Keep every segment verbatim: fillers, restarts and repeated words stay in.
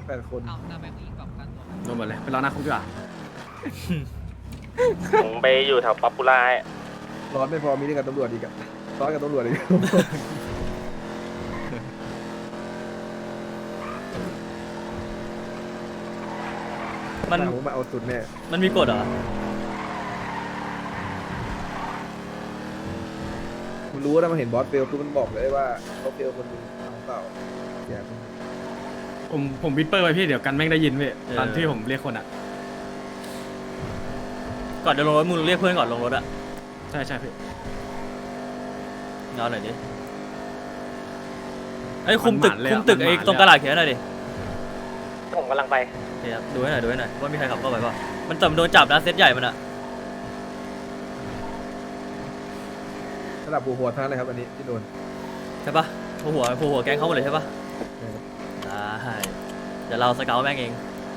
แปดคนเอาแต่แบงค์อีกแบบกันตัวโดนหมดเลยไปรอหน้าคุกดีกว่าผมไปอยู่แถวป๊อปปูล่าร้อนไม่พอมีเรื่องกับตำรวจอีกอะร้อนกับตำรวจอีกมันผมมาเอาสุดแน่มันมีกฎเหรอคุณรู้นะมันเห็นบอสเฟลคือมันบอกเลยว่าเขาเฟลคนนึงเอาเปล่าอย่าผมผมวิปเปอร์ไปพี่เดี๋ยวกันแม่งได้ยินพี่ตอนที่ผมเรียกคนอ่ะก่อนจะลงรถมึงเรียกเพื่อนก่อนลงรถอ่ะใช่ใช่พี่นอนหน่อยดิไอ้คุมตึกคุมตึกไอ้ตรงกระดาษเขียนหน่อยดิผมกำลังไปเดี๋ยวดูให้หน่อยดูให้หน่อยว่ามีใครขับเข้าไปป่ะมันแต่มันโดนจับนะเซตใหญ่มันอะระดับหัวหัวท่านเลยครับอันนี้ที่โดนใช่ปะหัวหัวหัวหัวแก๊งเขาหมดเลยใช่ปะได้เดี๋ยวเราสเกลแม่งเอง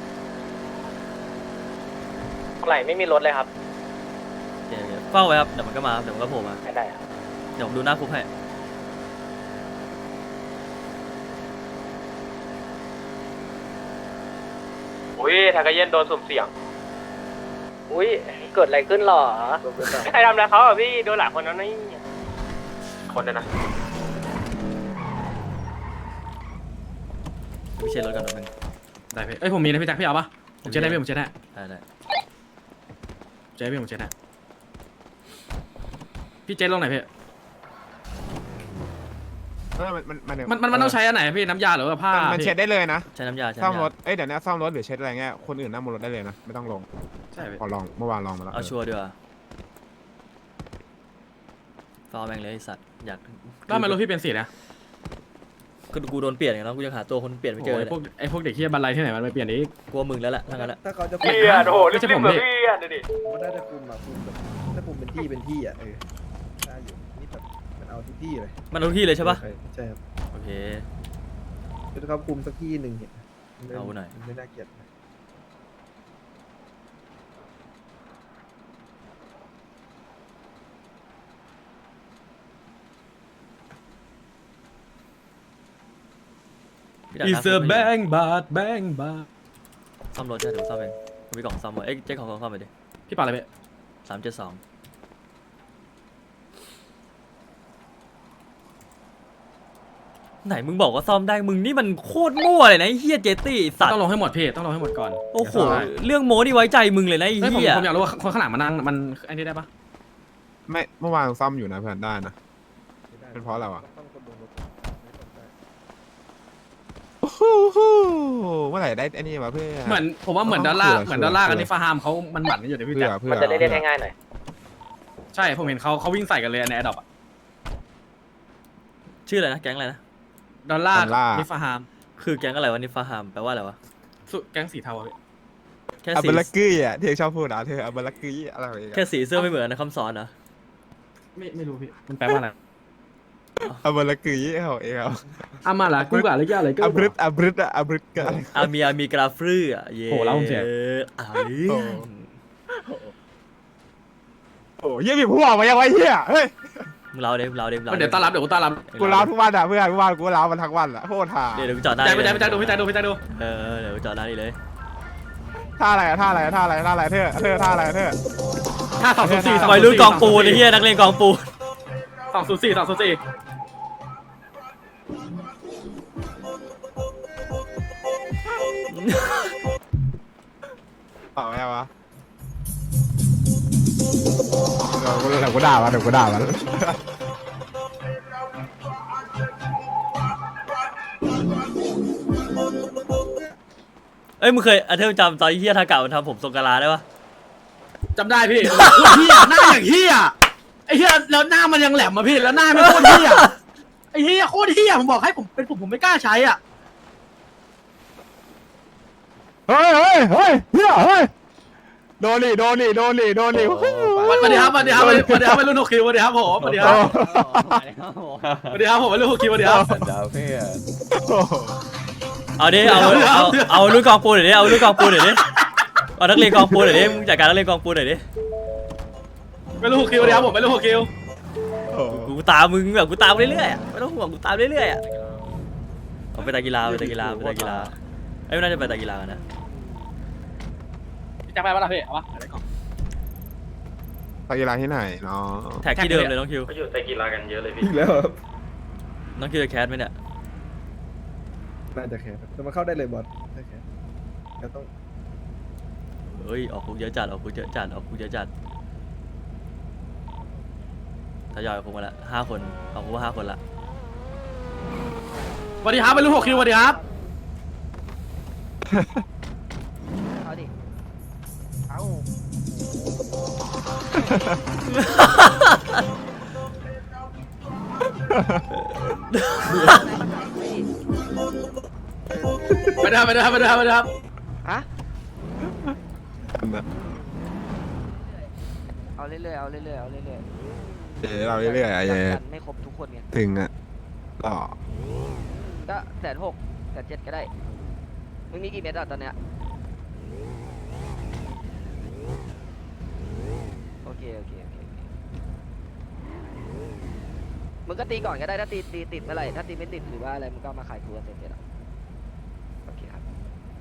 ไหลไม่มีรถเลยครับเดี๋ยวเฝ้าไว้ครับเดี๋ยวมันก็มาเดี๋ยวมันก็โผล่มาได้ครับเดี๋ยวผมดูหน้าคุกให้อุ้ยทากาเย็นโดนสุ่มเสี่ยงอุ้ยเกิดอะไรขึ้นหรอใครทำอะไรเขาอ่ะพี่โดนหลายคนแล้วนี่คนเลยนะพี่เช็ดรถก่อนหนึ่งได้พี่เอ้ยผมมีนะพี่แจ็คพี่เอาปะผมเช็ดได้พี่ผมเช็ดได้ได้ได้เช็ดพี่ผมเช็ดได้พี่เช็ดลงไหนพี่มันมันมันมันมันต้องใช้อันไหนพี่น้ำยาหรือว่าผ้ามันเช็ดได้เลยนะใช้น้ำยาซ่อมรถเอ้ยเดี๋ยวนี้ซ่อมรถหรือเช็ดอะไรเงี้ยคนอื่นนั่งบนรถได้เลยนะไม่ต้องลงใช่พอลองเมื่อวานลองมาแล้วเอาชัวร์ดีกว่าฟาวแม่งเลยสัตว์อยากแล้วทำไมรถพี่เป็นสีนะก็กูโดนเปลี่ยนอย่างนั้นกูยังหาตัวคนเปลี่ยนไม่เจอเลยพวกไอ้พวกเด็กที่บันไลที่ไหนมันไปเปลี่ยนอีกกลัวมึงแล้วแหละทั้งนั้นแหละถ้าเขาจะเปลี่ยนโอ้โหรีบๆแบบเปลี่ยนดิมันน่าจะคุมอะคุมแบบถ้าคุมเป็นที่เป็นที่อะเออได้อยู่นี่แบบมันเอาทุกที่เลยมันเอาที่เลยใช่ปะใช่ครับโอเคคือเขาคุมสักที่หนึ่งเนี่ยเอาหน่อยไม่น่าเกลียดอีเซอร์แบงบาทแบงบาทซ่อมรถใช่เดี๋ยวซ่อมเองมีกล่องซ่อมเอ้ยเจ๊ของกล่องซ่อมไปดิพี่ปาอะไรไปสามเจ็ดสองไหนมึงบอกว่าซ่อมได้มึงนี่มันโคตรมั่วเลยนะไอ้เฮียเจตี้สัตว์ต้องลงให้หมดพี่ต้องลงให้หมดก่อนโอ้โหเรื่องโม้นี่ไว้ใจมึงเลยนะไอ้เฮียผมอยากรู้ว่าคนข้างหลังมันนั่งมันไอ้นี่ได้ปะไม่เมื่อวานซ่อมอยู่นะเพื่อนได้นะเป็นเพราะอะไรวะโอ้โหเมื่อไหร่ได้อันนี้มาเพื่อเหมือนผมว่าเหมือนดอลลาร์เหมือนดอลลาร์กันในฟาร์มเขามันหมั่นกันอยู่ในพี่แจ๊คมันจะได้เล่นง่ายๆหน่อยใช่ผมเห็นเขาเขาวิ่งใส่กันเลยในแอดดอปอะชื่ออะไรนะแก๊งอะไรนะดอลลาร์นิฟาฮามคือแก๊งอะไรวะนิฟาฮามแปลว่าอะไรวะแก๊งสีเทาแค่สีอับลักกี้อ่ะเธอชอบพูดนะเธออับลักกี้อะไรแค่สีเสื้อไม่เหมือนนะคำสอนนะไม่ไม่รู้พี่มันแปลว่าอะไรอับลักกี้เหรอเอออามาละกูกะอะไรกันอะไรก็อับรึดอับรึดอะอับรึดกันอามีอามีกราฟรื้ออ่ะเย่โหเล่าเสียอ้โอ้ยพี่พูดออกมายังไงเฮียเฮ้ยมึงเล่าเดี๋ยวมึงเล่าเดี๋ยวเดี๋ยวต้อนรับเดี๋ยวกูต้อนรับกูเล่าทุกวันอ่ะเพื่อนทุกวันกูเล่ามันทั้งวันอ่ะโคตรท่าเดี๋ยวกูจอดได้ไปใจไปใจดูพี่ใจดูพี่ใจดูเออเดี๋ยวกูจอดได้เลยท่าอะไรท่าอะไรท่าอะไรท่าอะไรเธอเธอท่าอะไรเธอท่าสองศูนย์สี่วัยรุ่นกองปูนไอ้เหี้ยนักเลงกองปูนสองศูนย์สี่สองศูนย์สี่ต่อไงวะเดี๋ยวกูเดี๋ยวกูด่ามันเดี๋ยวกูด่ามันเอ้ยมึงเคยอาเทมจำตอนเฮียทากามันทำผมทรงกะลาได้ปะจำได้พี่โคตรเฮียหน้าอย่างเฮียไอ้เฮียแล้วหน้ามันยังแหลมมาพี่แล้วหน้าไม่โคตรเฮียไอ้เฮียโคตรเฮียผมบอกให้ผมเป็นผมผมไม่กล้าใช้อ่ะเฮ้ยเฮ้ยเฮ้ยเฮียเฮ้ยโดนดิโดนดิโดนดิโดนดิสวัสดีครับสวัสดีครับสวัสดีครับรุ่นหกคิวสวัสดีครับผมสวัสดีครับสวัสดีครับผมรุ่นหกคิวสวัสดีครับดาวเพื่อนเอาดิเอาเอาเอารุ่นกองปูนหน่อยดิเอารุ่นกองปูนหน่อยดิเอานักเรียนกองปูนหน่อยดิมึงจัดการนักเรียนกองปูนหน่อยดิไม่รู้หกคิวสวัสดีครับผมไม่รู้หกคิวกูตามมึงแบบกูตามเรื่อยๆไม่ต้องห่วงกูตามเรื่อยๆเอาไปตะกีฬาไปตะกีฬาไปตะกีฬาไอ้ยน่าจะไปตะกีฬากันนะจะไปปะล่ะพี่เอาปะอะไรก่อนไปกีฬาที่ไหนเนาะแท็กที่เดิมเลยน้องคิวเขาอยู่ไตกีฬากันเยอะเลยพี่อีกแล้วครับน้องคิวจะแคสไหมเนี่ยน่าจะแคร์แต่มันเข้าได้เลยบอสได้แคร์ก็ต้องเฮ้ยออกคุกเยอะจัดออกคุกเยอะจัดออกคุกเยอะจัดทยอยออกคุกมาละห้าคนออกคุกมาห้าคนละสวัสดีครับเป็นลูกหกคิวสวัสดีครับเอาดิ เอาไปเด้อไปเด้อไปเด้อไปเด้อฮะ เอาเรื่อยๆ เอาเรื่อยๆ เอาเรื่อยเจ๊เราเรื่อยๆอะๆเจ๊จัดกันไม่ครบทุกคนไงถึงอ่ะต่อก็แสนหกแสนเจ็ดก็ได้ มึงมีกี่เม็ดอ่ะตอนเนี้ย โอเค โอเค โอเคโอเคมึงก็ตีก่อนก็ได้ ถ้าตีตีติดเมื่อไหร่ ถ้าตีไม่ติดหรือว่าอะไร มึงก็เอามาขายกูกับเซนเจ็ดอ่ะ โอเคครับ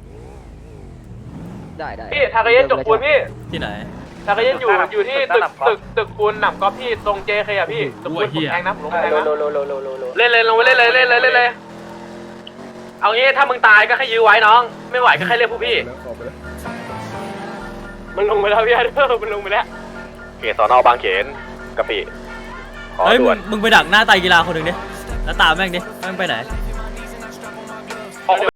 ได้ได้พี่ทากาเย็นจกปูนพี่ที่ไหนทากาเย็นอยู่อยู่ที่ตึกตึกตึกปูนหนำก๊อฟพี่ตรงเจเคอะพี่ตึกปูนผมแทงนะผมแทงนะเล่นเลยลงไปเล่นเลยเล่นเลยเล่นเลยเอางี้ถ้ามึงตายก็แค่ยื้อไว้น้อง ไม่ไหวก็แค่เรียกผู้พี่แล้วขอไปแล้วมันลงไปแล้วพี่เด้อมันลงไปแล้วเขตสอนอบางเขนกะปิขอเฮ้ยมึด่วงนมึงไปดักหน้าไตรกีฬาคนหนึ่งดิแล้วตามแม่งดิแม่งไปไหน